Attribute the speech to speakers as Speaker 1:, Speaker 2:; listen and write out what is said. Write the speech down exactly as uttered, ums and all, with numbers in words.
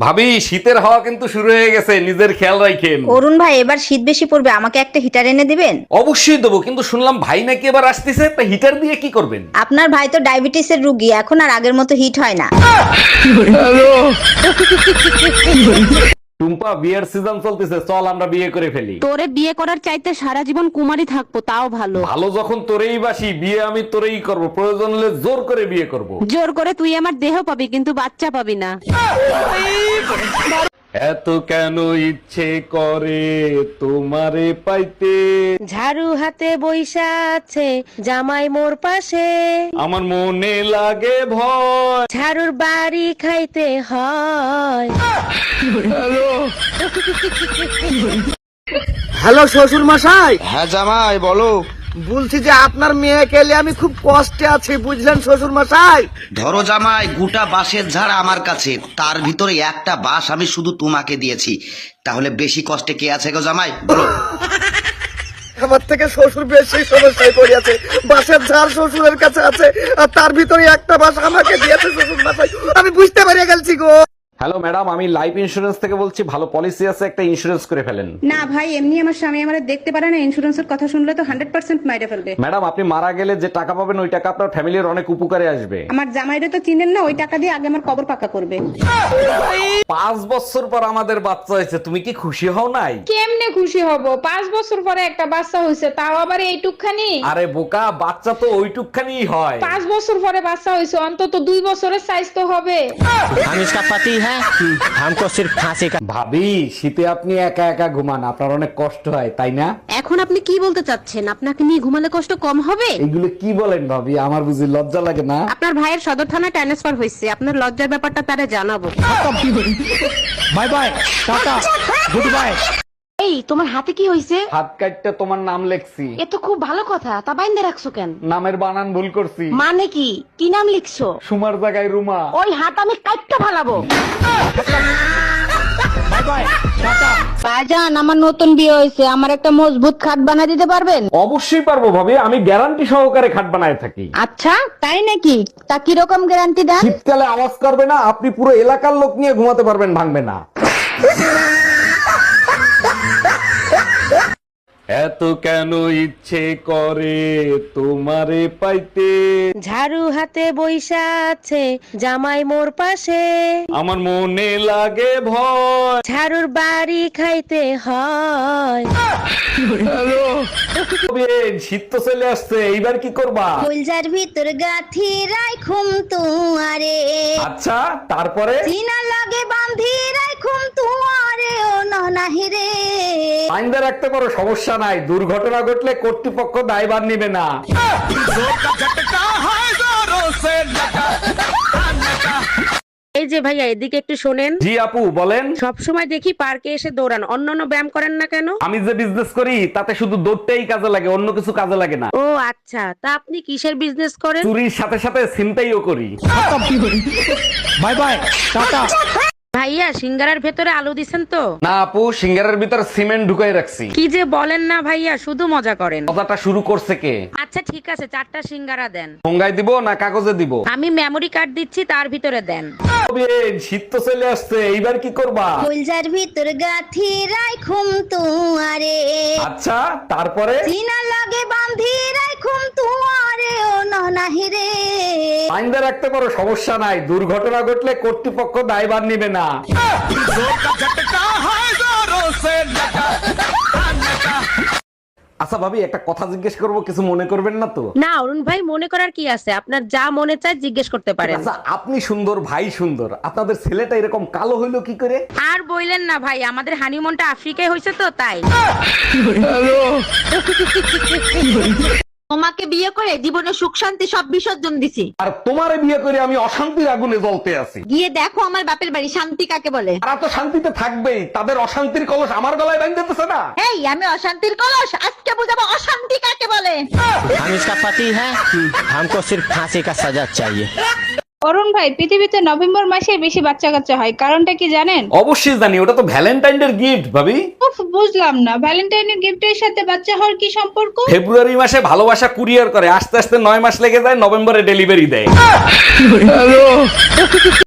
Speaker 1: ভাবি শীতের হাওয়া কিন্তু শুরু হয়ে গেছে, নিজের খেয়াল রাখেন।
Speaker 2: অরুণ ভাই এবার শীত বেশি পড়বে, আমাকে একটা হিটার এনে দিবেন?
Speaker 1: অবশ্যই দেবো, কিন্তু শুনলাম ভাই নাকি এবার আসতেছে, তা হিটার দিয়ে কি করবেন?
Speaker 2: আপনার ভাই তো ডায়াবেটিসের রোগী, এখন আর আগের মতো হিট হয় না।
Speaker 1: টুম্পা, বিয়ের সিজন চলতেছে, চল আমরা বিয়ে করে ফেলি।
Speaker 3: তোরে বিয়ে করার চাইতে সারা জীবন কুমারী থাকবো তাও ভালো।
Speaker 1: ভালো যখন তোরেই বাসি, বিয়ে আমি তোরেই করব, প্রয়োজন হলে জোর করে বিয়ে করব।
Speaker 3: জোর করে তুই আমার দেহ পাবি কিন্তু বাচ্চা পাবি না।
Speaker 1: এত কেন ইচ্ছে করে তোমারে পাইতে,
Speaker 3: ঝাড়ু হাতে বইসা আছে জামাই মোর পাশে,
Speaker 1: আমার মনে লাগে ভয়।
Speaker 3: ঝাড়ুর বাড়ি খাইতে হয়।
Speaker 4: হ্যালো শ্বশুর মশাই,
Speaker 5: হ্যাঁ জামাই বলো।
Speaker 4: বলছি যে আপনার মেয়েকে নিয়ে আমি খুব কষ্টে আছি, বুঝলেন শ্বশুর মশাই।
Speaker 5: ধরো জামাই, গোটা বাঁশের ঝাড় আমার কাছে, তার ভিতরে একটা বাঁশ আমি শুধু তোমাকে দিয়েছি, তাহলে বেশি কষ্টে কে আছে গো জামাই বলো।
Speaker 4: আমার থেকে শ্বশুর বেশি সমস্যায় পড়িয়াছে, বাঁশের ঝাড় শ্বশুরের কাছে আছে আর তার ভিতরে একটা বাঁশ আমাকে দিয়েছে শ্বশুর মশাই, আমি বুঝতে পারিয়া গেছি গো।
Speaker 1: হ্যালো ম্যাডাম, আমি লাইফ ইন্সুরেন্স থেকে বলছি, ভালো পলিসি আছে, একটা ইন্সুরেন্স করে ফেলেন।
Speaker 6: না ভাই, এমনি আমার স্বামী আমার দেখতে পারে না, ইন্স্যুরেন্সের কথা শুনলে তো হান্ড্রেড পার্সেন্ট মাইরে ফেলবে।
Speaker 1: ম্যাডাম, আপনি মারা গেলে যে টাকা পাবেন ওই টাকা আপনার ফ্যামিলির অনেক উপকারে আসবে।
Speaker 6: আমার জামাইরে তো চিনেন না, ওই টাকা দিয়ে আগে আমার কবর পাকা করবে।
Speaker 1: পাঁচ বছর পর আমাদের বাচ্চা হয়েছে, তুমি কি খুশি হও নাই?
Speaker 7: কেমনে খুশি হব? পাঁচ বছর পরে একটা বাচ্চা হয়েছে, তাও আবার এইটুকখানি।
Speaker 1: আরে বোকা, বাচ্চা তো ওইটুকখানি হয়।
Speaker 7: পাঁচ বছর পরে বাচ্চা হয়েছে, অন্তত দুই বছরের সাইজ তো হবে।
Speaker 8: हम इसका पति है, हमको सिर्फ फांसी का।
Speaker 1: ভাবি, শীতে আপনি একা একা ঘুমান, আপনার অনেক কষ্ট হয় তাই না?
Speaker 3: এখন আপনি কি বলতে চাচ্ছেন? আপনাকে নিয়ে ঘুমালে কষ্ট কম হবে?
Speaker 1: এইগুলো কি বলেন ভাবি, আমার বুঝি লজ্জা লাগে না?
Speaker 3: আপনার ভাইয়ের সদর থানায় ট্রান্সফার হয়েছে, আপনার লজ্জার ব্যাপারটা তারে জানাবো।
Speaker 8: Bye bye tata good bye.
Speaker 3: এই তোমার হাতে কি হয়েছে?
Speaker 1: হাত কাটতে তোমার নাম লেখছি।
Speaker 3: এ তো খুব ভালো কথা, তা বাইন্ধে রাখছো কেন?
Speaker 1: নামের বানান ভুল করছি,
Speaker 3: মানে কি? কি নাম লিখছো?
Speaker 1: সুমার জায়গায় রুমা।
Speaker 3: ওই হাত আমি কাটতে ফালাবো।
Speaker 8: Bye bye Tata.
Speaker 2: ভাইজান, আমার নতুন বিয়ে হয়েছে, আমার একটা মজবুত খাট বানিয়ে দিতে পারবেন?
Speaker 1: অবশ্যই পারবো ভাবি, আমি গ্যারান্টি সহকারে খাট বানায় থাকি।
Speaker 2: আচ্ছা তাই নাকি? তা কিরকম গ্যারান্টি দেন?
Speaker 1: শীতকালে আওয়াজ করবে না, আপনি পুরো এলাকার লোক নিয়ে ঘুমাতে পারবেন, ভাঙবে না। এত কেন ইচ্ছে করে তোমারে পাইতে,
Speaker 3: ঝাড়ু হাতে বইসা আছে জামাই মোর পাশে,
Speaker 1: আমার মনে লাগে ভয়।
Speaker 3: ঝাড়ুর বাড়ি খাইতে হয়।
Speaker 1: শীত তো চলে আসছে, এইবার কি করবা?
Speaker 2: ফুলজার ভিতর গাথি রাইখুম তুয়ারে,
Speaker 1: আচ্ছা তারপরে?
Speaker 2: চিনা লাগে বান্ধি রাইখুম তুয়ারে, ও ননাহি রে।
Speaker 1: আইনদা রাখতে পারো, সমস্যা নাই, দুর্ঘটনা ঘটলে কর্তৃপক্ষ দায়ভার নিবে না।
Speaker 3: এই যে ভাইয়া, এদিকে একটু শোনেন।
Speaker 1: জি আপু বলেন।
Speaker 3: সব সময় দেখি পার্কে এসে দৌড়ান, অন্যান্য ব্যায়াম করেন না কেন?
Speaker 1: আমি যে বিজনেস করি তাতে শুধু দৌড়টাই কাজে লাগে, অন্য কিছু কাজে লাগে না।
Speaker 3: ও আচ্ছা, তা আপনি কিসের বিজনেস করেন?
Speaker 1: চুরির সাথে সাথে ছিনতাইও করি।
Speaker 8: Bye bye tata.
Speaker 3: ভাইয়া, সিঙ্গারার ভেতরে আলু দিছেন তো?
Speaker 1: না আপু, সিঙ্গারের ভিতর সিমেন্ট ঢুকাই রাখছি।
Speaker 3: কি যে বলেন না ভাইয়া, শুধু মজা করেন।
Speaker 1: কথাটা শুরু করছে কে?
Speaker 3: আচ্ছা ঠিক আছে, চারটা সিঙ্গারা দেন।
Speaker 1: ঠোঙ্গায় দিব না কাগজে দিব?
Speaker 3: আমি মেমরি কার্ড দিচ্ছি, তার ভিতরে দেন।
Speaker 1: শীত তো চলে আসছে, এইবার কি করবা?
Speaker 2: ফুলজার ভিতর গাথি রাইখুম তুয়ারে,
Speaker 1: আচ্ছা তারপরে?
Speaker 2: চিনা লাগে বান্ধি রাইখুম তুয়ারে, ও ননাহি রে।
Speaker 1: আইনদা রাখতে পারো, সমস্যা নাই, দুর্ঘটনা ঘটলে কর্তৃপক্ষ দায়ভার নিবে না। আচ্ছা ভাবি, একটা কথা জিজ্ঞেস করবো, কিছু মনে করবেন না তো?
Speaker 3: না অরুণ ভাই, মনে করার কি আছে, আপনার যা মনে চায় জিজ্ঞেস করতে পারেন।
Speaker 1: আচ্ছা, আপনি সুন্দর, ভাই সুন্দর, আপনাদের ছেলেটা এরকম কালো হইলো কি করে?
Speaker 3: আর বইলেন না ভাই, আমাদের হানিমুনটা আফ্রিকায় হয়েছে তো তাই।
Speaker 9: তোমাকে বিয়ে করে জীবনে সুখ শান্তি সব বিসর্জন দিছি,
Speaker 1: আর তোমারে বিয়ে করে আমি অশান্তির আগুনে জ্বলতে আছি।
Speaker 9: গিয়ে দেখো আমার বাপের বাড়ি শান্তি কাকে বলে।
Speaker 1: তারা তো শান্তিতে থাকবেই, তাদের অশান্তির কলস আমার গলায় বাঁধতেছে না।
Speaker 9: এই আমি অশান্তির কলস, আজকে বুঝাবো অশান্তি কাকে বলে।
Speaker 8: हम इसका पति है, हमको सिर्फ फांसी का सजा चाहिए।
Speaker 7: অরুণ ভাই, পৃথিবীতে নভেম্বর মাসে বেশি বাচ্চা কাচ্চা হয়, কারণটা কি জানেন?
Speaker 1: অবশ্যই জানি, ওটা তো ভ্যালেন্টাইনের গিফট ভাবি।
Speaker 7: উফ, বুঝলাম না, ভ্যালেন্টাইনের গিফটের সাথে বাচ্চা হওয়ার কি সম্পর্ক?
Speaker 1: ফেব্রুয়ারি মাসে ভালোবাসা কুরিয়ার করে, আস্তে আস্তে নয় মাস লেগে যায়, নভেম্বরে ডেলিভারি দেয়।